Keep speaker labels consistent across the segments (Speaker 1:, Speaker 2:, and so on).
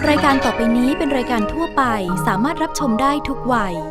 Speaker 1: รายการต่อไปนี้เป็นรายการทั่วไปสามารถรับชมได้ทุกวัย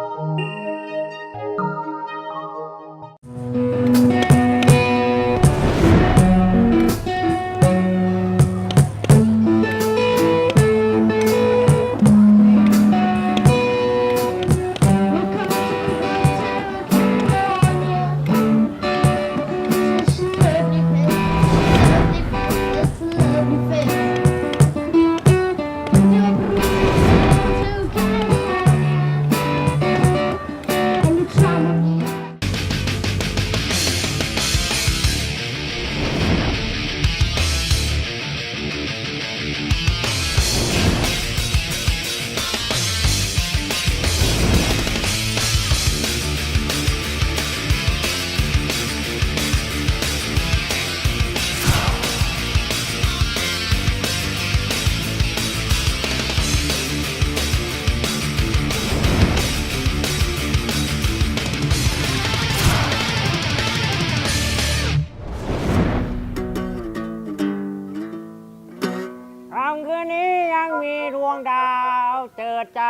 Speaker 2: ค่ำคืนนี้ยังมีดวงดาวเจิดจ้า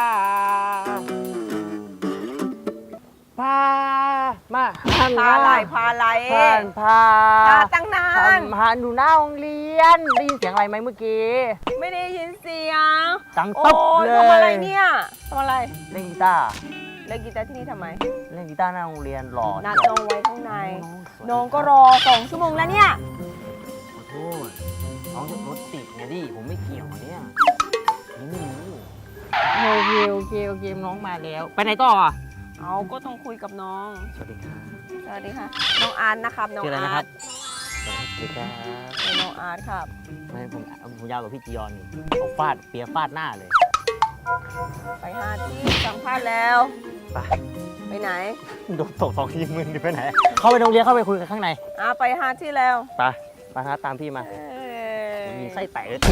Speaker 2: พามาหัน
Speaker 3: พาอะไรพาอะไร
Speaker 2: พา
Speaker 3: ตั้งนาน
Speaker 2: พาดูหน้าโรงเรียนได้ยินเสียงอะไรไหมเมื่อกี้
Speaker 3: ไม่ได้ยินเสียง
Speaker 2: ดัง
Speaker 3: โอ้
Speaker 2: ตุ๊บ
Speaker 3: ย
Speaker 2: เลย
Speaker 3: ทำอะไรเนี่ยทำอะไร
Speaker 2: เล่นกีตาร์
Speaker 3: เล่นกีตาร์ที่นี่ทำไม
Speaker 2: เล่นกีตาร์หน้าโรงเรียนหล่อ
Speaker 3: นัด
Speaker 2: เชียว
Speaker 3: น้องไว้ข้างใน
Speaker 2: สวย
Speaker 3: น้องก็รอ2 ชั่วโมงแล้วเนี่ย
Speaker 2: ขอโทษน้องจะรถติดไงดิผมไม่เกี่ยวเนี่ยผมไม่รู้โอเคน้องมาแล้วไปไหนต่ออ่ะ
Speaker 3: เอาก็ต้องคุยกับน้อง
Speaker 2: สวัสดีครับ
Speaker 3: สวัสดีค่ะ น้องอาร์ตนะครับ น้อง
Speaker 2: ชื่ออะไร
Speaker 3: อา
Speaker 2: นะครั
Speaker 3: ร์
Speaker 2: บ
Speaker 3: ต
Speaker 2: สวัสดีครับ
Speaker 3: น้องอาร์ตครับ
Speaker 2: ไม่ผมยาวกว่าพี่จียอนนี่ผมฟาดเปียฟาดหน้าเลย
Speaker 3: ไปหาที่สัมภาษณ์แล้ว
Speaker 2: ไป
Speaker 3: ไปไหน
Speaker 2: โดนตก2 ทีมึนดิไปไหน เข้าไปโรงเรียนเข้าไปคุยกันข้างใน
Speaker 3: ไปหาที่แล้ว
Speaker 2: ไปฮะตามพี่มา
Speaker 3: เอ้ย
Speaker 2: มีไส้แตกเลย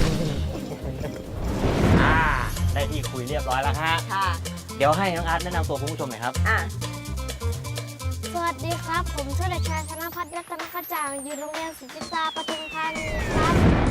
Speaker 2: ได้ที่คุยเรียบร้อยแล้วฮะ
Speaker 3: ค่ะ
Speaker 2: เดี๋ยวให้น้องอาร์ตแนะนำตัวคุณผู้ชมหน่อยครับ
Speaker 4: สวัสดีครับ ผมชื่อเด็กชายธนพัฒน์รัตนกระจ่างอยู่โรงเรียนสุทธิตาปทุมธานีครับ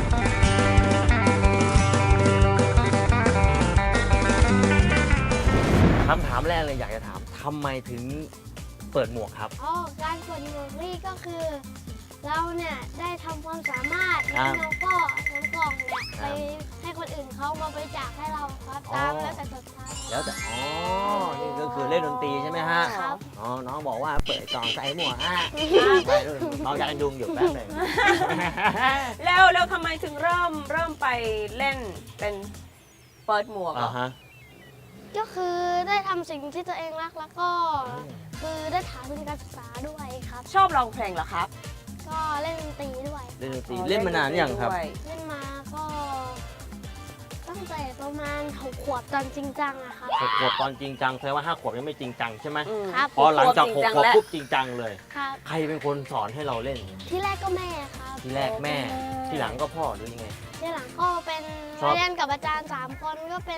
Speaker 2: คำถามแรกเลยอยากจะถามทำไมถึงเปิดหมวกครับ
Speaker 4: การกดหมวกนี่ก็คือ เราเนี่ยได้ทำความสามารถ
Speaker 2: ครั
Speaker 4: แล้ว
Speaker 2: บ
Speaker 4: เราก็นำกล่องเนี่ย
Speaker 2: ค
Speaker 4: ไป
Speaker 2: รับ
Speaker 4: ให้คนอื่นเขามาบริจาคให้เราครับ
Speaker 2: อ๋อ
Speaker 4: ตามแล้วแต่ศรัทธา
Speaker 2: แล้วแต่นี่ก็คือเล่นดนตรีใช่ไหมฮะ
Speaker 4: ครับ
Speaker 2: น้องบอกว่าเปิดกล่องใส่หมวกไปเลยน้องอยากดุงอยู่แป๊บหนึง
Speaker 3: แล้วทำไมถึงเริ่มไปเล่นเป็นเปิดหมวกเหรอ
Speaker 2: ฮะ
Speaker 4: ก็คือได้ทำสิ่งที่ตัวเองรักแล้วก็คือได้ถามทุนการศึกษาด้วยครับ
Speaker 3: ชอบร้องเพลงเหรอครับ
Speaker 4: ก็เล่นดนตรีด้วย
Speaker 2: เล่นดนตรีเล่นมานานหรือยังครับ
Speaker 3: ด้วย
Speaker 4: เล่นมาก็ตั้งแต่ประมาณ6 ขวบตอนจริงจังอะครับ
Speaker 2: 6 ขวบตอนจริงจังแสดงว่า 5 ขวบยังไม่จริงจังใช่ไหม
Speaker 3: อืม
Speaker 4: ครับ
Speaker 2: พอหลังจาก
Speaker 3: จริงจั
Speaker 2: 6
Speaker 3: ง
Speaker 2: ขวบ
Speaker 3: แล้ว
Speaker 2: ปุ๊บจริงจังเลย
Speaker 4: ครับ
Speaker 2: ใครเป็นคนสอนให้เราเล่น
Speaker 4: ที่แรกก็แม่ครับ
Speaker 2: ทีแรกแม่ ที่หลังก็พ่อหรือยังไง
Speaker 4: ที่หลังก็เป็น
Speaker 2: ชอบ
Speaker 4: เรียนกับอาจารย์3 คนก็เป็น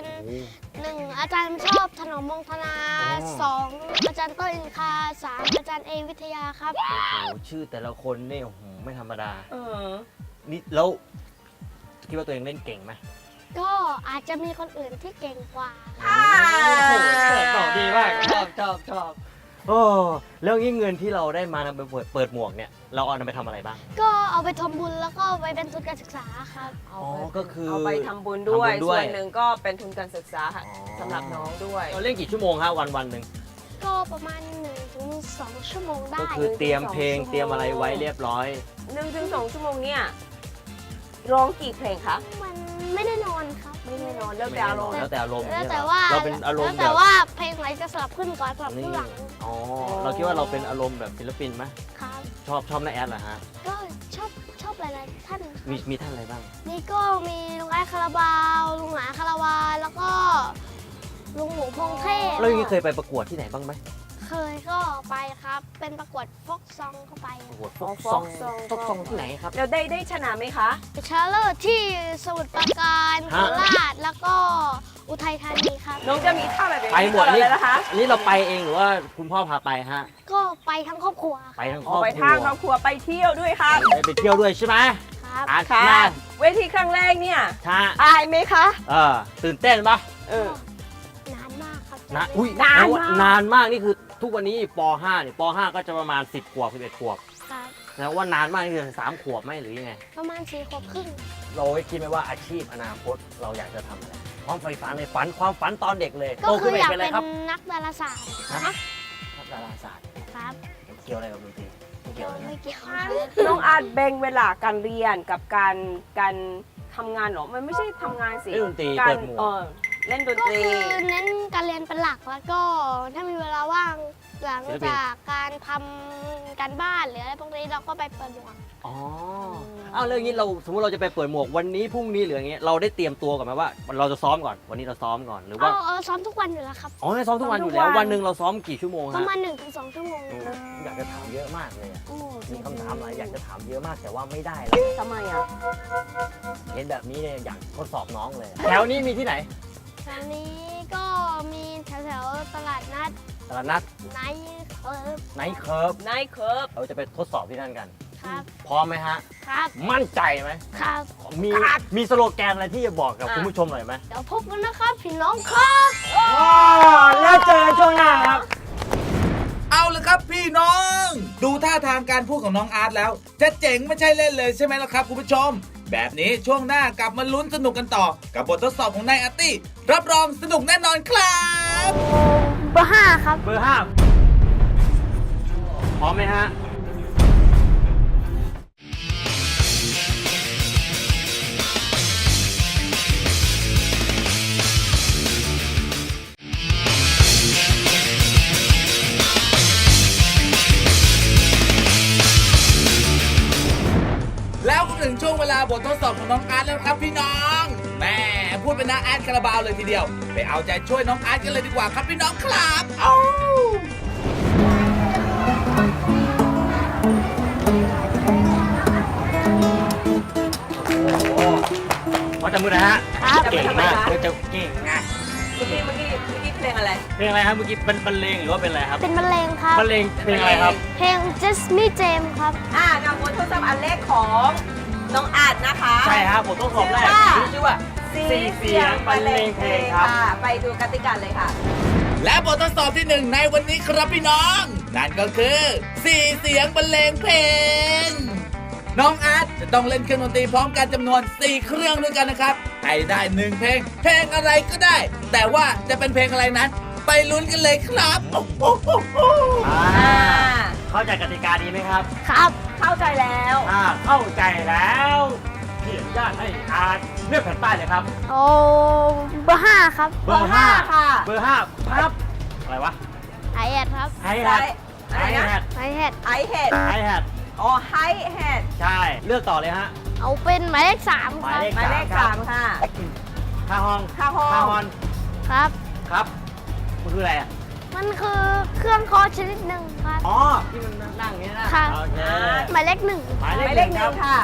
Speaker 4: 1 อาจารย์ชอบถนอมมงธนา
Speaker 2: อ๋อ
Speaker 4: 2 อาจารย์ต้นอินคา 3 อาจารย์เอวิทยาครับ
Speaker 2: โอ้โหชื่อแต่ละคนนี่โอ้โหไม่ธรรมดา
Speaker 3: เออ
Speaker 2: นี่แล้วคิดว่าตัวเองเล่นเก่งไหม
Speaker 4: ก็อาจจะมีคนอื่นที่เก่งกว่า
Speaker 2: ตอบดีมากชอบโอ้แล้วงี้เงินที่เราได้มานำไปเปิดหมวกเนี่ยเราเอานำไปทำอะไรบ้าง
Speaker 4: ก็เอาไปทำบุญแล้วก็ไปเป็นทุนการศึกษาครับ
Speaker 3: เอา
Speaker 2: อ๋อ
Speaker 3: ไป
Speaker 2: ก็คือ
Speaker 3: เอาไปทำบุญด้วย
Speaker 2: ทำบุญด้วย
Speaker 3: ส่วนหนึ่งก็เป็นทุนการศึกษา
Speaker 2: อ๋อ
Speaker 3: สำหรับน้องด้วย
Speaker 2: เราเล่นกี่ชั่วโมงฮะวันหนึ่ง
Speaker 4: ก็ประมาณ 1-2 ชั่วโมงได้
Speaker 2: ก็คือเตรียม
Speaker 3: 1-2
Speaker 2: เพลง
Speaker 3: ชั่วโมง
Speaker 2: เตรียมอะไรไว้เรียบร้อย
Speaker 3: 1-2 ชั่วโมงเนี่ยร้องกี่เพลงคะ
Speaker 4: มันไม่ได้นอนครับ
Speaker 3: ไม่แน่นอนแล้วแต่อารมณ์
Speaker 2: แล้วแต่อารมณ์
Speaker 4: แล้ว
Speaker 2: เนี่ย
Speaker 4: แต่
Speaker 2: เหรอ
Speaker 4: ว่า
Speaker 2: เราเป็นอารม
Speaker 4: แล้ว
Speaker 2: ณ์แบ
Speaker 4: แต่
Speaker 2: บ
Speaker 4: ว่าเพลงไหนจะสลับขึ้นก่อนสลับขึ้นหลัง
Speaker 2: อ๋อเราคิดว่าเราเป็นอารมณ์แบบศิลปินไหม
Speaker 4: ครับ
Speaker 2: ชอบน้าแอดเหรอฮะ
Speaker 4: ก็ชอบหลายๆท่าน
Speaker 2: มีท่านอะไรบ้าง
Speaker 4: นี่ก็มีลุงไอ้คาราบาวลุงหมาคาราวานแล้วก็ลุงหมูพงเทพ
Speaker 2: แล้วอย่างนี้เคยไปประกวดที่ไหนบ้างไหม
Speaker 4: เคยก็ไปครับ เป็นประกวดฟกซองเข้าไป
Speaker 2: ประกวด
Speaker 3: อ๋อ
Speaker 2: ซอง
Speaker 3: ฟอกซอง
Speaker 2: ที่ไหนครับ
Speaker 3: แล้วได้ชนะไหมคะ
Speaker 4: ชาเลอร์ที่สมุทรปราการโค
Speaker 2: ฮะ
Speaker 4: ราชแล้วก็อุทัยธานีครับ
Speaker 3: น้องจะมีท่าแบบนี้
Speaker 2: ไปหมด
Speaker 3: ตลอ
Speaker 2: นี่
Speaker 3: เลยนะคะ
Speaker 2: อันนี้เราไปเองหรือว่าคุณพ่อพาไปฮะ
Speaker 4: ก็ไปทั้งครอบครัว
Speaker 2: ไปทั้งค
Speaker 3: อ
Speaker 2: ร
Speaker 3: อ
Speaker 2: อก บ
Speaker 3: ไป
Speaker 2: ครั
Speaker 3: ทาง
Speaker 2: ว
Speaker 3: ครอบครัวไปเที่ยวด้วยค่ะ
Speaker 2: ไปเที่ยวด้วยใช่ไหม
Speaker 4: ครับครับ
Speaker 2: อาร์ต
Speaker 3: ค่ะ
Speaker 2: มา
Speaker 3: เวทีครั้งแรกเนี่ย
Speaker 2: ช้า
Speaker 3: อายไหมคะ
Speaker 2: ตื่นเต้นปะ
Speaker 3: เออ
Speaker 4: นานมากครับ
Speaker 2: นะอุ้ย
Speaker 3: นาน
Speaker 2: แปลว่
Speaker 3: มาก
Speaker 2: นานมากนี่คือทุกวันนี้ป .5 เนี่ยป .5 ก็จะประมาณ10 ขวบ 11 ขวบ
Speaker 4: ครับ
Speaker 2: แล้วว่านานมากนี่คือ3 ขวบไหมหรือยังไง
Speaker 4: ประมาณ4 ขวบครึ่ง
Speaker 2: เราได้คิดไหมว่าอาชีพอนาคตเราอยากจะทำอะไรความใฝ่ฝันในฝันความฝันตอนเด็กเลย
Speaker 4: ก็
Speaker 2: โต
Speaker 4: คื
Speaker 2: ขึ้น
Speaker 4: อ
Speaker 2: ไป
Speaker 4: อยาก
Speaker 2: เป็นอะไร
Speaker 4: เป็น
Speaker 2: ครับ
Speaker 4: นักดาราศาสตร์
Speaker 2: นักดาราศาสตร์
Speaker 4: ครับ
Speaker 2: เกี่ยวอะไรกับดนตรีไม่เกี่ยวเลยนะ
Speaker 4: ไม่เกี่ยว
Speaker 3: น้องอาร์ตแบ่งเวลาการเรียนกับการทำงานเหรอ มันไม่ใช่ทำงานสิ
Speaker 2: เล่นดนตรี
Speaker 3: การ
Speaker 2: เปิดหมวก
Speaker 3: เล่นดน
Speaker 4: ก็
Speaker 3: ตรี
Speaker 4: คือเน้นการเรียนเป็นหลักแล้วก็ถ้ามีเวลาว่างหลังจากการทำการบ้านหรืออะไรพวกนี้เราก็ไปเปิดหมวก
Speaker 2: อ๋ออ้าวแล้วอย่างนี้เราสมมติเราจะไปเปิดหมวกวันนี้พรุ่งนี้หรืออย่างเงี้ยเราได้เตรียมตัวก่อนไหมว่าเราจะซ้อมก่อนวันนี้เราซ้อมก่อนหรือว่า
Speaker 4: ซ้อมทุกวันอยู่แล้วครับ
Speaker 2: อ๋อซ้อมทุกวันอยู่แล้ววันหนึ่งเราซ้อมกี่ชั่วโมง
Speaker 4: ป
Speaker 2: ฮะ
Speaker 4: ระมาณ 1-2 ชั่วโมง
Speaker 2: อยากจะถามเยอะมากเลยอะ
Speaker 3: โอ้
Speaker 2: มีคำถามหลายอยากจะถามเยอะมากแต่ว่าไม่ได้แล้ว
Speaker 3: ทำไมอ่ะ
Speaker 2: เห็นแบบนี้เนี่ยอยากทดสอบน้องเลยแถวนี้มีที่ไหน
Speaker 4: ตอนนี้ก็มีแถวๆตลาดนัด
Speaker 2: ตลาดนัด
Speaker 4: ไนท์เคิร์ฟ
Speaker 2: ไนท์เคิร์ฟ
Speaker 3: นายเคิร์ฟ
Speaker 2: เราจะไปทดสอบที่นั่นกัน
Speaker 4: ครับ
Speaker 2: พร้อมไหมฮะ
Speaker 4: ครับ
Speaker 2: มั่นใจไหม
Speaker 4: ครับ
Speaker 2: มีสโลแกนอะไรที่จะบอกกับคุณผู้ชมหน่อยไหม
Speaker 4: เดี๋ยวพบกันนะครับพี่น้องครับ
Speaker 2: แล้วเจอกันช่วงหน้าครับ
Speaker 5: เอาเลยครับพี่น้อง ดูท่าทางการพูดของน้องอาร์ตแล้ว จะเจ๋งไม่ใช่เล่นเลยใช่ไหมล่ะครับคุณผู้ชม แบบนี้ช่วงหน้ากลับมาลุ้นสนุกกันต่อ กับบททดสอบของนายอาร์ตี้รับรองสนุกแน่นอนครับ
Speaker 4: เบอร์ 5 ครับ
Speaker 2: เบอร์ห้าพร้อมไหมฮะ
Speaker 5: แล้วก็ถึงช่วงเวลาบททดสอบของน้องอาร์ตแล้วครับพี่น้องแม่พูดเป็นน้าอาร์ตคาราบาวเลยทีเดียว ไปเอาใจช่วยน้องอาร์ตกันเลยดีกว่าครับพี่น้องครับเอา
Speaker 2: พอจะมือนะฮะ
Speaker 4: ครับ
Speaker 2: เก่งมากเจะเก่งนะ
Speaker 3: เมื่อกี้เพลงอะไร
Speaker 2: เพลงอะไรครับเมื่อกี้เป็นบรรเลงหรือว่าเป็นอะไรครับ
Speaker 4: เป็นบรรเลงครับ
Speaker 2: บรรเลงเพลงอะไรครับ
Speaker 4: เพลง Just Me Jam ครับ
Speaker 3: กับบททดสอบอันแรกของน้องอาร์ตนะคะ
Speaker 2: ใช่ครับผมต้องสอบแรกชื่อว่าสี่เสียงบรรเลงเพลงครับ
Speaker 3: ไปดูกติกาเลยค่ะ
Speaker 5: และบททดสอบที่หนึ่งในวันนี้ครับพี่น้อง นั่นก็คือ4เสียงบรรเลงเพลง น้องอาร์ตจะต้องเล่นเครื่องดนตรีพร้อมกันจำนวน4เครื่องด้วยกันนะครับให้ได้1เพลง เพลงอะไรก็ได้ แต่ว่าจะเป็นเพลงอะไรนั้น ไปลุ้นกันเลยครับโอ้โห
Speaker 2: เข้าใจกติกาดีไหมครับ
Speaker 4: ครับ
Speaker 3: เข้าใจแล้ว
Speaker 2: เข้าใจแล้วเขียนญาติให้อ่านเลือกแผ่นป้ายเลยครับ
Speaker 4: โอ้เบอร์ 5 ครับ
Speaker 2: เบอร์ห้า
Speaker 3: ค่ะ
Speaker 2: เบอร์ห้าครับอะไรวะ
Speaker 4: ไอแอดครับ
Speaker 2: ไฮแฮท
Speaker 3: อะไรนะ
Speaker 4: ไอแอด
Speaker 3: ไอเฮด
Speaker 2: ไฮแฮท
Speaker 3: อ๋อไฮเฮด
Speaker 2: ใช่เลือกต่อเลยฮะ
Speaker 4: เอาเป็นหมายเลข 3
Speaker 2: ห
Speaker 4: ค
Speaker 2: มาย
Speaker 4: รับ
Speaker 2: เลข
Speaker 3: หมายเลข
Speaker 2: ครับ
Speaker 3: 3ค่ะ
Speaker 2: คาฮอง
Speaker 3: คาฮอง
Speaker 2: คาฮอน
Speaker 4: ครับ
Speaker 2: ครับมันคืออะไรอ่ะ
Speaker 4: มันคือเครื่องเคอชนิดหนึ่งครับ
Speaker 2: อ๋อที่มันนั่งอย่างนี้นะ
Speaker 4: ค่ะ
Speaker 2: โอเค
Speaker 4: หมายเลข 1
Speaker 2: หมาย
Speaker 3: ห
Speaker 2: เล
Speaker 3: มาย
Speaker 2: ข
Speaker 3: เล
Speaker 2: ห
Speaker 3: ข
Speaker 2: นึ่ง
Speaker 3: ห
Speaker 2: ครั
Speaker 3: นึ่
Speaker 2: บ
Speaker 3: งค่ะ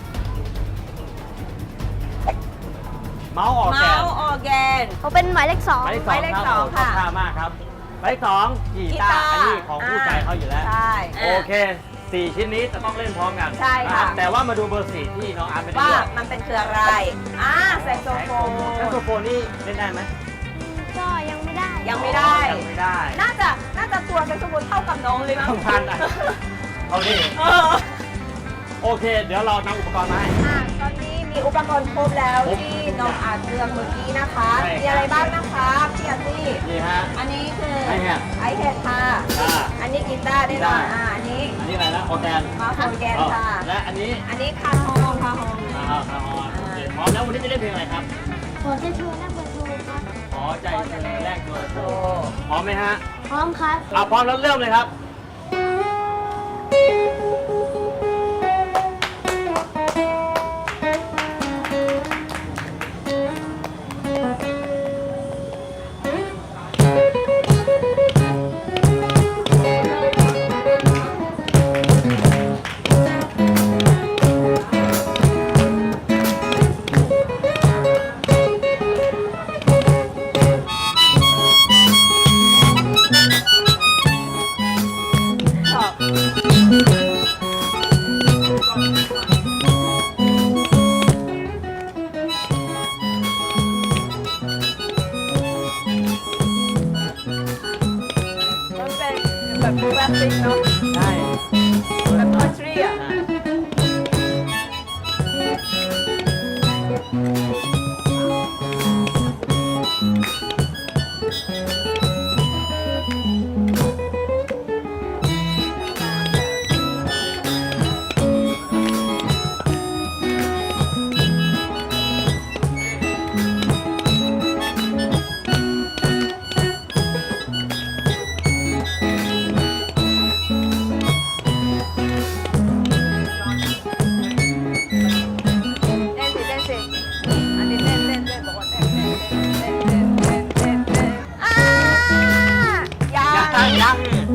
Speaker 2: เมาส์ออกแก
Speaker 3: เมาน ส์ออร์แกน
Speaker 4: เขาเป็นหมายเลข
Speaker 2: หมายเลข
Speaker 4: 2
Speaker 2: สอง
Speaker 3: หมายเลข
Speaker 2: ครับ
Speaker 3: สอง
Speaker 2: โอ้
Speaker 3: ค่ะ
Speaker 2: ท่ามากครับหมายเลขสองกีตาร์อันนี้ของผู้ใจเขาอยู่แล้ว
Speaker 3: ใช่
Speaker 2: โอเค4 ชิ้นนี้จะต้องเล่นพร้อมกัน
Speaker 3: ใช่ค่ะ
Speaker 2: นรับแต่ว่ามาดูเบอร์ 4 ที่น้องอาร์ตไม่ได้
Speaker 3: ว่า
Speaker 2: เลือก
Speaker 3: มันเป็นคืออะไรแซกโซโฟน
Speaker 2: แซกโซโฟนนี่เล่นได้ไหม
Speaker 4: ก็ยังไม่ได้
Speaker 3: ยังไม่ได้
Speaker 2: ยังไม่ได้
Speaker 3: น่าจะตัวแซกโซโฟนเท่ากับน้องเลยมั้ง
Speaker 2: สำคัญอ่ะเอาดิ
Speaker 3: เออ
Speaker 2: โอเค เดี๋ยวเรานำอุปกรณ์มาให้
Speaker 3: ตอนนี้มีอุปกรณ์ครบแล้ว
Speaker 2: ครบ
Speaker 3: ที่น้องอาร์ตเลือกเมื่อกี้นะคะ
Speaker 2: ใช่ครับ
Speaker 3: มีอะไรบ้างนะคะพี่อาร์ตี้
Speaker 2: นี่ฮะ
Speaker 3: อันนี้คือ
Speaker 2: ไอแฮด
Speaker 3: ไอแฮดค่ะ
Speaker 2: อ่า
Speaker 3: อันนี้กีตาร์ได้หน่อย
Speaker 2: กีตาร์
Speaker 3: อันนี้
Speaker 2: อันนี้อะไรนะออร์แกน
Speaker 3: มาโฟนแกนค่ะ
Speaker 2: และอันนี้
Speaker 3: อันนี้คาฮองคาฮอง
Speaker 2: คาฮอนโอเคพร้อมแล้ววันนี้จะเล่นเพลงอะไรครับ
Speaker 4: ขอจะชวนนักเบอร์โทรครับ
Speaker 2: ขอใจเธอแรกตัวโตพร้อมไหมฮะ
Speaker 4: พร้อมครับ
Speaker 2: พร้อมแล้วเริ่มเลยครับ
Speaker 3: ชอบแบบคลาสสิกเนาะ
Speaker 2: ใช่
Speaker 3: แบบคันทรีอ่ะ เต้นสิเต้นสิอันนี้เต้นเต้นเต้นบอกว่าเต้นเต้นเต้นเต้นเต้นเต้นเต้นเต้นอ่ายัง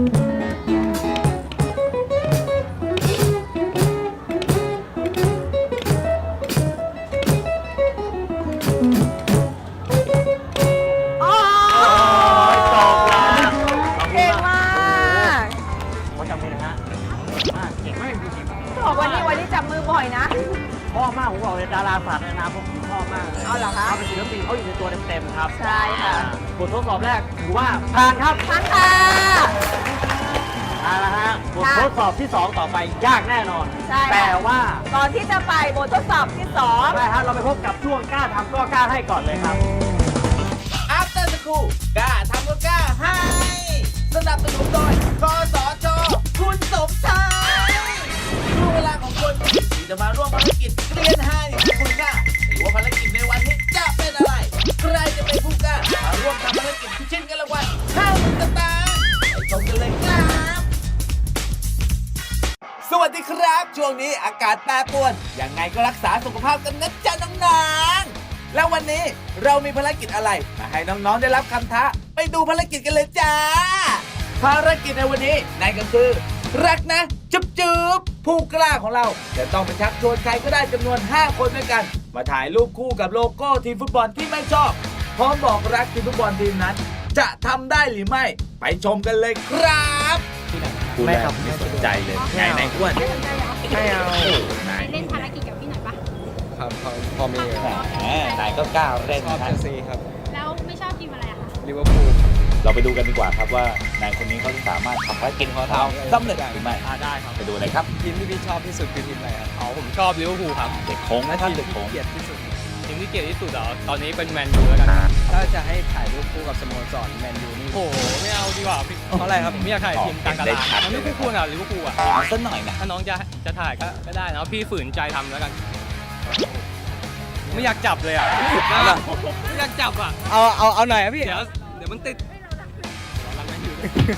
Speaker 3: โอ้ย
Speaker 2: จบแล้ว
Speaker 3: เก่งมาก
Speaker 2: เขาจำมือนะฮะเก่งมากจริง
Speaker 3: บอกวันนี้จับมือบ่อยนะ
Speaker 2: ๆชอบมากผมบอกเลยดาราศาสตร์ในอนาคตผมชอบมากเลย
Speaker 3: เอาเหรอคะ
Speaker 2: เขาเป็นศิลปินเขาอยู่ในตัวเต็มๆครับ
Speaker 3: ใช่ค่ะ
Speaker 2: บททดสอบแรกถือว่าผ่านครับ
Speaker 3: ทั้งค่ะ
Speaker 2: เอาละฮะบททดสอบที่ 2 ต่อไปยากแน่นอน
Speaker 3: ใช่ค่ะ
Speaker 2: แต่ว่า
Speaker 3: ก่อนที่จะไปบททดสอบที่
Speaker 2: ใช่ฮะเราไปพบกับช่วงกล้าทำก็กล้าให้ก่อนเลยครับ
Speaker 5: After School กล้าทำก็กล้าให้ สนับสนุนโดยกสชคุณสมชายช่วงเวลาของคนที่จะมาร่วมภารกิจเรียนให้คุณกล้าหรือว่าภารกิจในวันนี้จะเป็นอะไร ใครจะเป็นผู้กล้ามาร่วมทำภารกิจพิชิตเงินรางวัล50,000 สตางค์ไปชมกันเลยครับ สวัสดีครับ ช่วงนี้อากาศแปรปรวนยังไงก็รักษาสุขภาพกันนะจ๊ะน้องๆแล้ววันนี้เรามีภารกิจอะไรมาให้น้องๆได้รับคำท้าไปดูภารกิจกันเลยจ้า ภารกิจในวันนี้นั่นก็คือ รักนะจุ๊บจุ๊บผู้กล้าของเราจะต้องไปชักชวนใครก็ได้จำนวน 5 คนด้วยกัน มาถ่ายรูปคู่กับโลโก้ทีมฟุตบอลที่ไม่ชอบ พร้อมบอกรักทีมฟุตบอลทีมนั้น จะทำได้หรือไม่ ไปชมกันเลยครับไม่ครับไม่สนใจเลยไงในอ้วน
Speaker 2: ไม่เอา
Speaker 6: เล่นภารกิจกับพี่หน่อยปะ
Speaker 7: ครับพอมี
Speaker 5: แหมนายก็กล้าเล่น
Speaker 7: ชอบ
Speaker 5: นะ
Speaker 7: เชลซีครับ
Speaker 6: แล้วไม่ชอบทีมอะไรอะคะ
Speaker 7: ลิเวอร์พูล
Speaker 5: เราไปดูกันดีกว่าครับว่านายคนนี้เขาจะสามารถทำภารกิจของเขาสำเร็จหรือไม่
Speaker 2: ได้ครับ
Speaker 5: ไปดูเลยครับ
Speaker 7: ทีมที่พี่ชอบที่สุดคือทีมอะไรครับ
Speaker 8: อ๋อผมชอบลิเวอร์พูลครับ
Speaker 5: เด็กโค้งนะครับเด็กโค้ง
Speaker 7: เกลียดที่สุด
Speaker 8: ทีมที่เกลียดที่สุดเหรอตอนนี้เป็นแมนยูแล้วกัน
Speaker 7: ถ้าจะให้ถ่ายรูปคู่กับสโมสรแมนยูนี่
Speaker 8: โอ้โหไม่เอาดีกว่าพี่
Speaker 7: เพราะอะไรครับ
Speaker 8: ผมไม่อยากถ่ายทีมกลางตลาดมันไม่คู่ควรกับลิเวอร์พูลอ่ะ
Speaker 5: เอาสักหน่อยนะ
Speaker 8: ถ้าน้องจะถ่ายก็ได้นะพี่ฝืนใจทำแล้วกัน ไม่อยากจับเลยอ่ะไม่อยากจับอ่ะ
Speaker 7: เอาหน่อยครับพี่
Speaker 8: เดี๋ยวมันติดเรารักแมนยู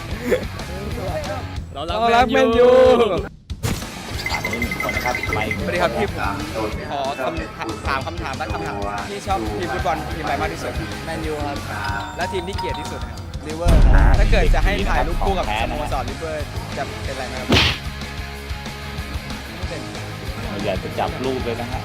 Speaker 8: เรา
Speaker 7: เรา
Speaker 8: รั
Speaker 7: รั
Speaker 8: ก
Speaker 7: ก
Speaker 8: แม
Speaker 7: แม
Speaker 8: น
Speaker 7: น
Speaker 8: ยู
Speaker 7: ยู
Speaker 5: ถามนี้หนึ่งคนนะครับไป
Speaker 7: สวัสดีครับพี่ขอถามคำถามและคำถามพี่ชอบทีมฟุตบอลทีมอะไรมากที่สุดแมนยูครับและทีมที่เกลียดที่สุดครับลิเวอร์ถ้าเกิดจะให้ถ่ายรูปคู่กับสโมสรลิเวอร์จะเป็นอะไรนะครับไม่เป็น
Speaker 5: เราอยากจะจับรูปเลยนะฮะ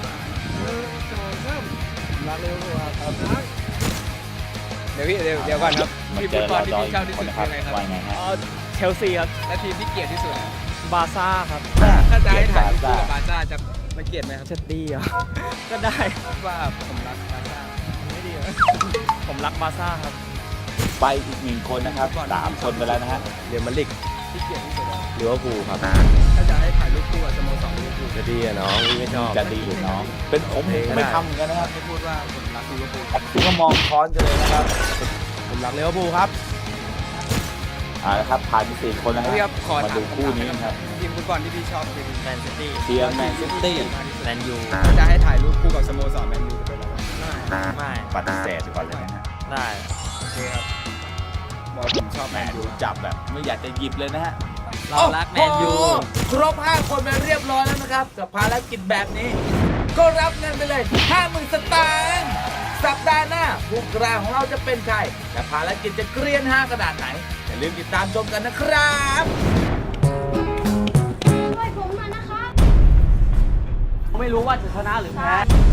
Speaker 7: รักลิเวอร์พูลครับเดี๋ยวก่อนครับ
Speaker 5: มา
Speaker 7: ทีม
Speaker 5: เจ
Speaker 7: ฟุ
Speaker 5: อ
Speaker 7: ตบอ
Speaker 5: เรา
Speaker 7: ลที่
Speaker 5: จอย
Speaker 7: พี่ชอบที่
Speaker 5: ค
Speaker 7: สุ
Speaker 5: น
Speaker 7: ด
Speaker 5: นะค
Speaker 7: คื
Speaker 5: รั
Speaker 7: อบ อะไรครับ
Speaker 5: ว่าไงฮะ
Speaker 8: เชลซีครับ
Speaker 7: และทีมที่เกลียดที่สุด
Speaker 8: บาซ่าครับ
Speaker 7: ถ้าจะให้ถ่ายรูปคู่กับบาร์ซ่าจะมาเกลียดไหมครับ
Speaker 8: จะดีเหรอก็ได้
Speaker 7: ว่าผมรักบาร์ซ่าไม่ดีเหรอ
Speaker 8: ผมรักบาซ่าครับ
Speaker 5: ไปอีกหนึ่งคนนะครับ3 คนไปแล้วนะฮะ
Speaker 7: เดี๋ยวมาลิกที่เกลียดที่สุดอะ
Speaker 5: ลิเวอร์พูลครับ
Speaker 7: ถ้าจะให้ถ่ายรูปคู่กับสโมสรลิเวอร์พูล
Speaker 5: จะดีอะน้องไม่ชอบจะดีหรือน้องเป็นผมไม่ทำเหมือนกันนะครับ
Speaker 7: ให้พูดว่าผมรักลิเวอร์พูล
Speaker 5: ผมก็มองค้อนกันเลยนะครับ
Speaker 7: ผมรักลิเวอร์พูลครับ
Speaker 5: เอาละครับผ่านไป4 คนแล้ว
Speaker 7: พี่ครับขอ
Speaker 5: มา
Speaker 7: ถาม
Speaker 5: ดูคู่นี้กันครับ
Speaker 7: ทีมฟุตบอลที่พี่ชอบคือทีม
Speaker 8: แมนซิตี้
Speaker 5: เชียร์แมนซิตี้
Speaker 8: แมนยู
Speaker 7: ถ้าจะให้ถ่ายรูปคู่กับสโมสรแมนยูจะเป็นอะไรวะ
Speaker 8: ไม่
Speaker 5: ปฏิเสธก่อนเลยนะฮะ
Speaker 8: ได้
Speaker 7: โอเคครับบอกผมชอบแม
Speaker 5: แม
Speaker 7: น
Speaker 5: น
Speaker 7: ยู
Speaker 5: ยูจับแบบไม่อยากจะหยิบเลยนะฮะ
Speaker 8: เรารักแมนยู
Speaker 5: โอ้โหครบ 5 คนไปเรียบร้อยแล้วนะครับ กับภารกิจแบบนี้ ก็รับเงินไปเลย 50,000 สตางค์สัปดาห์หน้าผู้กล้าของเราจะเป็นใครแต่ภารกิจจะเกรียน5ขนาดไหนอย่าลืมติดตามชมกันนะครับ
Speaker 4: ช่วยผมหน่อยนะครับ
Speaker 2: ไม่รู้ว่าจะชนะหรือแพ้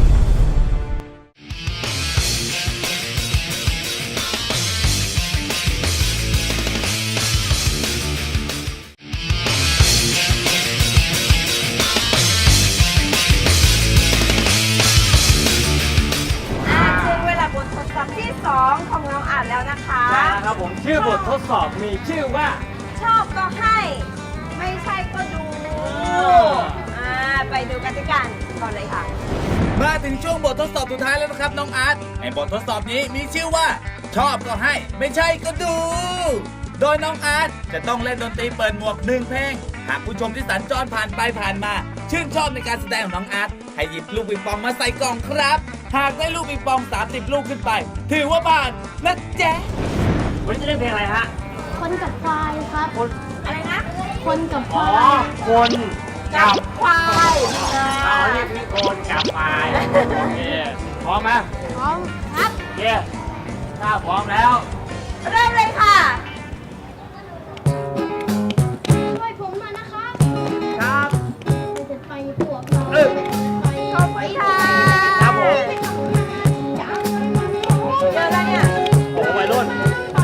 Speaker 3: ถึงเวลาบททดสอบที่ 2 ของน้องอ่านแล้วนะคะ
Speaker 2: ได้แล้วครับผมชื่อบททดสอบมีชื่อว่า
Speaker 3: ชอบก็ให้ ไม่ใช่ก็ดูไปดูกันด้วยกันก่อนเลยค่ะ
Speaker 5: มาถึงช่วงบททดสอบสุดท้ายแล้วนะครับน้องอาร์ตในบททดสอบนี้มีชื่อว่า ชอบก็ให้ ไม่ใช่ก็ดู โดยน้องอาร์ตจะต้องเล่นดนตรีเปิดหมวก1เพลงหากผู้ชมที่สัญจรผ่านไปผ่านมา ชื่นชอบในการแสดงของน้องอาร์ตให้หยิบลูกปิงปองมาใส่กล่องครับ หากได้ลูกปิงปอง30ลูกขึ้นไป ถือว่าผ่านนะแจ๊ะ
Speaker 2: วันนี้จะเล่นเพลงอะไรฮะ
Speaker 4: คนกับควายครับ
Speaker 3: อะไรนะ
Speaker 4: คนกับควาย
Speaker 2: คนกับ
Speaker 3: ควาย
Speaker 2: เราเรียกพี่คนกับควายโอเคพร้อมไหม
Speaker 4: พร้อมครับ
Speaker 2: โอเคถ้าพร้อมแล้ว
Speaker 3: เริ่มเลยค่ะ
Speaker 4: ช่วยผมหน่อยนะครับ
Speaker 2: ครับ
Speaker 4: จะไปพวกเราไป
Speaker 3: ขอบคุณค่ะ
Speaker 2: ครับผม
Speaker 3: เจอแล้วเนี่ย
Speaker 2: โอ้วัยรุ่น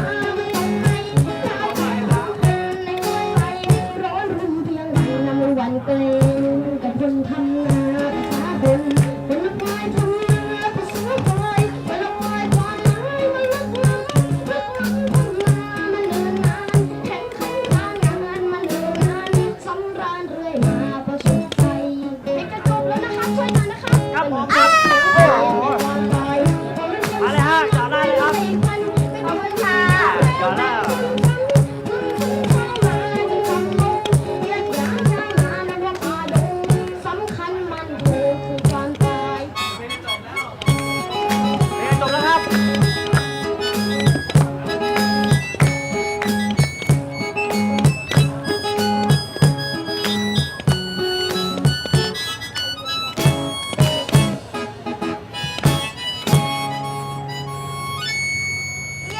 Speaker 4: วันเกลกับคนทำนาภาษาบนคนละควายทำนาภาษาควายคนละควายความหมายมันลึกล้ำลึกล้ำทำนามันเนินนานแข่งขันการงานมันเนินนานสำราญเรื่อยมาประสบใจเด็กจะจบแล้วนะคะช่วยหน่อยนะคะ
Speaker 2: ครับผมครับโอ้โห
Speaker 4: มาเลยฮะจอดได้เลยครับ
Speaker 3: ขอบคุณค่ะ
Speaker 2: จอดได้
Speaker 4: สำคัญมันคือความตาย
Speaker 2: เพลงจบแล้วครับ
Speaker 3: เย้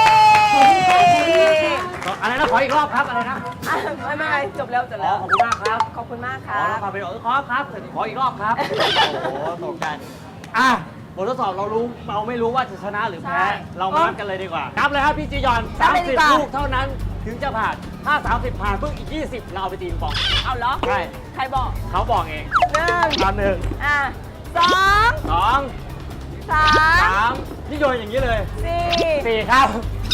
Speaker 2: อะไรนะ ขออีกรอบครับ อะไรนะ
Speaker 3: ไม่จบแล้วจบ
Speaker 2: อ๋
Speaker 3: แล้
Speaker 2: อ
Speaker 3: ว
Speaker 2: ขอบคุณมากครับ
Speaker 3: ขอบคุณมาก
Speaker 2: ข
Speaker 3: ค่ะ
Speaker 2: อแล้วครับไปขอครับขออีกรอบครับ โอ้โหตกใจอ่ะบททดสอบเราไม่รู้ว่าจะชนะหรือแพ้
Speaker 3: ใช่
Speaker 2: เรามานับกันเลยดีกว่าครับเลยครับพี่จียอน
Speaker 3: นับเลยดีกว่า
Speaker 2: 30 ลูกเท่านั้นถึงจะผ่าน ถ้า 30 ผ่านปุ๊บอีก 20 เราเอาไปตีปอง
Speaker 3: เอาเหรอ
Speaker 2: ใช่
Speaker 3: ใครบอก
Speaker 2: เขาบอกเอง
Speaker 3: 1
Speaker 2: ตอนหนึ่ง
Speaker 3: สอง
Speaker 2: สอง
Speaker 3: สาม
Speaker 2: สามนี่โยนอย่างนี้เลย
Speaker 3: สี่
Speaker 2: 4 ครับ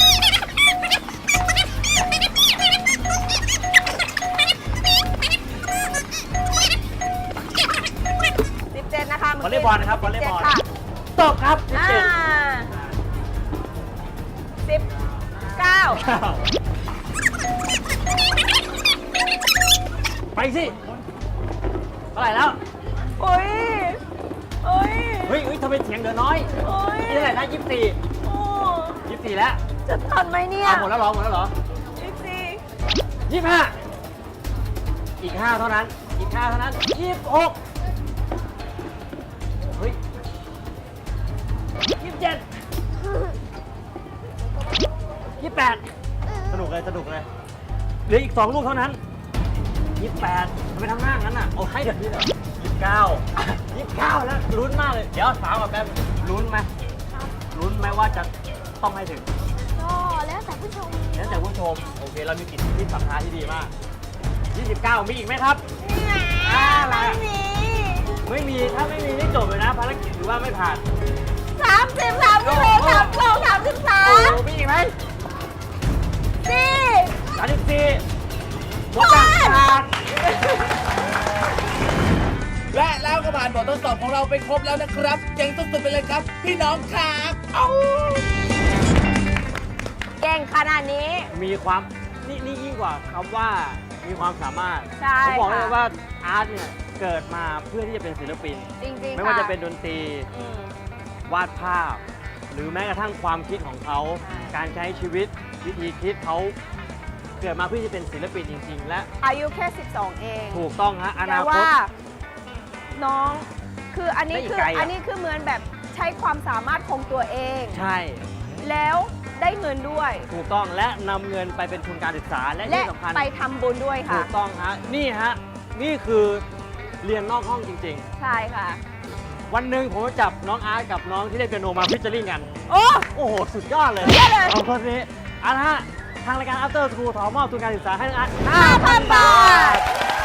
Speaker 3: 17นะคะ
Speaker 2: วอลเลย์บอลนะครับวอลเลย์บอล
Speaker 3: 17ค่ะ
Speaker 2: ตบครับ
Speaker 3: อ่า
Speaker 2: 17
Speaker 3: 19
Speaker 2: ไปสิเท่าไหร่แล้ว
Speaker 3: โอ้ยโอ้ย
Speaker 2: เฮ้ยทำไมเสียงเหลือน้อย
Speaker 3: โอ้ย
Speaker 2: นี่เท่าไหร่นะ24
Speaker 3: โอ้
Speaker 2: 24แล้ว
Speaker 3: จะทันไหมเนี่ย
Speaker 2: หมดแล้วเหรอ
Speaker 3: 24
Speaker 2: 25อีก 5 เท่านั้น อีก 5 เท่านั้น 26 เฮ้ย 27 28 สนุกเลยเหลืออีก 2 ลูกเท่านั้น 28ทำไมทำหน้างั้นอ่ะ เอาให้เดี๋ยวนี้เลย29 แล้วลุ้นมากเลย เดี๋ยวถามกับแป๊บลุ้นไหมว่าจะต้องให้ถึง
Speaker 4: ก็แล้วแต่ผู้ชม
Speaker 2: แล้วแต่ผู้ชม โอเค เรามีกิจที่สัมภาษณ์ที่ดีมาก 29 มีอีกไหมครับ
Speaker 3: ไม่มี
Speaker 2: ไม่มี ถ้าไม่มีนี่จบเลยนะ ภารกิจถือว่าไม่ผ่าน
Speaker 3: 30 32 33
Speaker 2: โอ้โหมีอีกไหม
Speaker 3: 4
Speaker 2: 34หมดจากผ่าน
Speaker 5: และแล้วก็ผ่านบททดสอบของเราไปครบแล้วนะครับเจ๋งสุดๆไปเลยครับ พี่น้องครับเอา
Speaker 3: เก่งขนาดนี้
Speaker 2: มีความนี่ยิ่งกว่าคำว่ามีความสามารถ
Speaker 3: ใช่
Speaker 2: ผมบอกเลย
Speaker 3: ค่ะ
Speaker 2: ว่าอาร์ตเนี่ยเกิดมาเพื่อที่จะเป็นศิลปิน
Speaker 3: จริงๆ
Speaker 2: ไม่ว่า
Speaker 3: ค่
Speaker 2: จะเป็นดนตรี
Speaker 3: อืม
Speaker 2: วาดภาพ หรือแม้กระทั่งความคิดของเขา
Speaker 3: ใช่
Speaker 2: การใช้ชีวิตวิธีคิดเขาเกิดมาเพื่อที่จะเป็นศิลปินจริง ๆ และ
Speaker 3: อายุแค่ 12 เอง
Speaker 2: ถูกต้องฮะอ
Speaker 3: แต่
Speaker 2: นาค
Speaker 3: ว่า
Speaker 2: ต
Speaker 3: น้องคืออันนี้
Speaker 2: ได้อีก
Speaker 3: คือ
Speaker 2: ไกลอะ
Speaker 3: อันนี้คือเหมือนแบบใช้ความสามารถของตัวเอง
Speaker 2: ใช่
Speaker 3: แล้วได้เงินด้วย
Speaker 2: ถูกต้องและนำเงินไปเป็นทุนการศึกษาและ
Speaker 3: และ
Speaker 2: ที่สำคัญ
Speaker 3: ไปทำบุญด้วย
Speaker 2: ถู
Speaker 3: ค่ะ
Speaker 2: กต้องฮะนี่ฮะนี่คือเรียนนอกห้องจริง
Speaker 3: ใช่ค่ะ
Speaker 2: ๆ วันหนึ่งผมจะจับน้องอาร์ตกับน้องที่เล่นเปียโนมาฟิชเจอริ่งกัน
Speaker 3: โอ้
Speaker 2: โอ้โห สุดยอดเลย
Speaker 3: สุดยอดเลย
Speaker 2: สองคนนี้เอาละฮะทางรายการ After School ขอมอบทุนการศึกษาให้น้องอาร์ต
Speaker 3: 5,000 บาท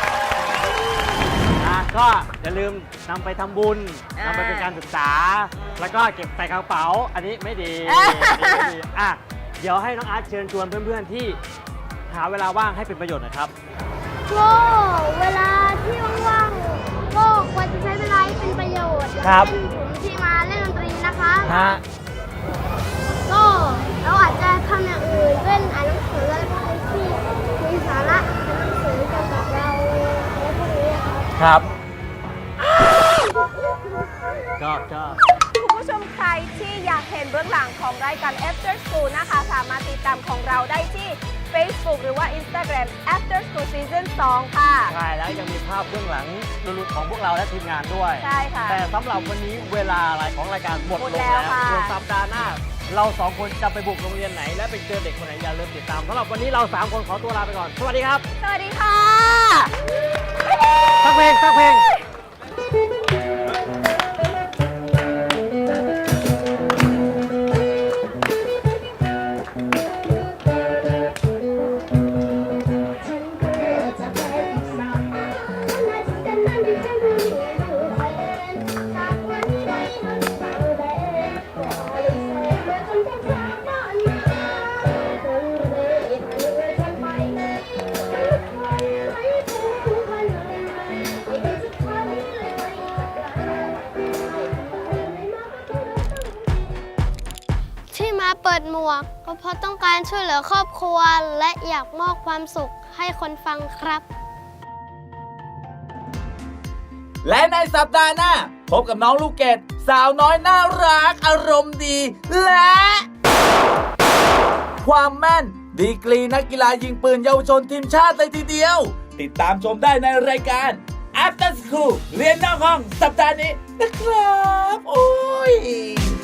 Speaker 2: ก็อย่าลืมนำไปทำบุญ
Speaker 3: อ่าน
Speaker 2: ำไปเป็นการศึกษา แล้วก็เก็บใส่กระเป๋า อันนี้ไม่ดี
Speaker 3: อ่า
Speaker 2: อันนี้ไม่ดีอ่ะเดี๋ยวให้น้องอาร์ตเชิญชวนเพื่อนๆที่หาเวลาว่างให้เป็นประโยชน์หนะครับ
Speaker 4: ก็เวลาที่ว่างๆก็ควรจะใช้เวลาให้เป็นประโยชน์อย่าง
Speaker 2: ครับ
Speaker 4: เช่นผมที่มาเล่นดนตรีนะคะ
Speaker 2: ฮะ
Speaker 4: ก็เราอาจจะทำอย่างอื่นเช่นอ่านหนังสืออะไรพวกนี้ที่มีสาระเป็นหนังสือเกี่ยวกับเราอะไรพวกนี้ครับ
Speaker 2: ครับก็
Speaker 3: คุณผู้ชมใครที่อยากเห็นเบื้องหลังของรายการ After School นะคะ สามารถติดตามของเราได้ที่ Facebook หรือว่า Instagram After School Season 2 ค่ะ
Speaker 2: ใช่แล้วยังมีภาพเบื้องหลังลุ้นๆของพวกเราและทีมงานด้วย
Speaker 3: ใช่ค่ะ
Speaker 2: แต่สำหรับวันนี้เวลาอะไรของรายการหมด
Speaker 3: หมด
Speaker 2: ลง
Speaker 3: แล้
Speaker 2: แล้ว
Speaker 3: วค่ะ
Speaker 2: ส่วนสัปดาห์หน้า เราสองคนจะไปบุกโรงเรียนไหน และไปเจอเด็กคนไหนอย่าลืมติดตามสำหรับวันนี้เราสามคนขอตัวลาไปก่อน สวัสดีครับ
Speaker 3: สวัสดีค่ะ
Speaker 2: สักเพลงสักเพลง
Speaker 4: ฉันก็จะเป็นสาวและจะนั้นที่จะรู้เป็นจากวันนี้ได้มันเศร้าแดงก็เลยเสียเมื่อคนที่จากบ้านมาคนเลยพาเรือฉันไปให้ผู้คนเลยไม่ได้สุดท้ายเลยไม่ที่มาเปิดหมวกก็เพราะต้องการช่วยเหลือครอบครัวและอยากมอบความสุขให้คนฟังครับ
Speaker 5: และในสัปดาห์หน้า พบกับน้องลูกเกดสาวน้อยน่ารักอารมณ์ดี และความแม่นดีกรีนักกีฬายิงปืนเยาวชนทีมชาติเลยทีเดียว ติดตามชมได้ในรายการ After School เรียนนอกห้องสัปดาห์นี้นะครับ โอ้ย